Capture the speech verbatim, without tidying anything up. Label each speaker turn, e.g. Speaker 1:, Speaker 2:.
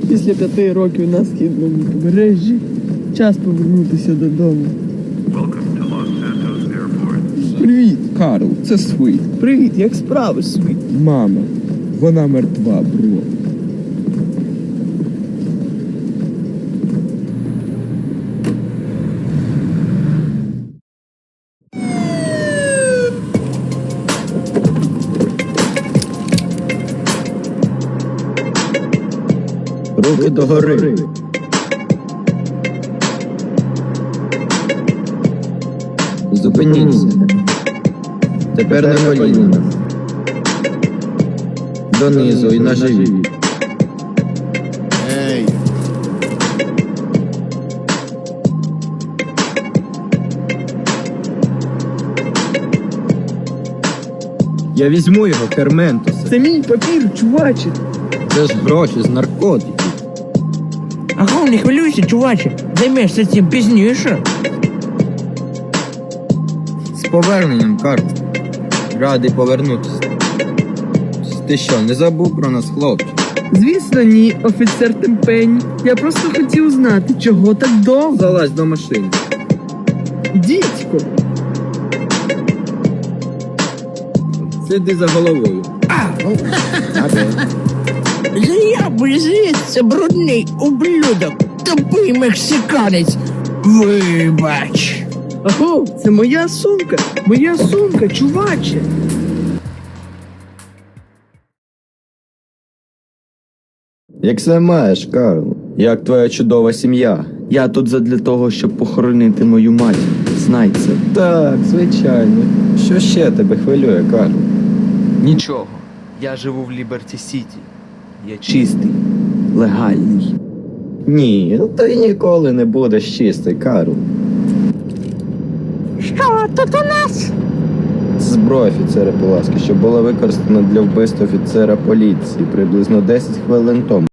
Speaker 1: Після п'яти років на східному побережжі час повернутися додому.
Speaker 2: Привіт, Карл, це Свит.
Speaker 1: Привіт, як справи, Світ?
Speaker 2: Мама, вона мертва, бро.
Speaker 3: Руки догори. Зупиніться. Тепер на коліна. Донизу і на живіт.
Speaker 4: Ей!
Speaker 3: Я візьму його, Керментусе.
Speaker 1: Це мій папір, чуваче.
Speaker 3: Це ж гроші з наркотиків.
Speaker 5: Ага, не хвилюйся, чуваче, займешся цим пізніше.
Speaker 3: З поверненням, Карл. Радий повернутися. Ти що, не забув про нас, хлопче?
Speaker 1: Звісно, ні, офіцер Темпень. Я просто хотів знати, чого так довго.
Speaker 3: Залазь до машини.
Speaker 1: Дідько,
Speaker 3: Сиди за головою.
Speaker 5: Заяви звідси, брудний ублюдок, тупий мексиканець. Вибач.
Speaker 1: аго, це моя сумка, моя сумка, чуваче.
Speaker 3: Як все маєш, Карл? Як твоя чудова сім'я?
Speaker 6: Я тут задля того, щоб похоронити мою матір. Знай це.
Speaker 3: Так, звичайно. Що ще тебе хвилює, Карл?
Speaker 6: Нічого. Я живу в Ліберті Сіті. Я чистий, легальний.
Speaker 3: Ні, ти ніколи не будеш чистий, Карл.
Speaker 5: Що тут у нас?
Speaker 3: Це зброя офіцера Пуласки, що була використана для вбивства офіцера поліції приблизно десять хвилин тому.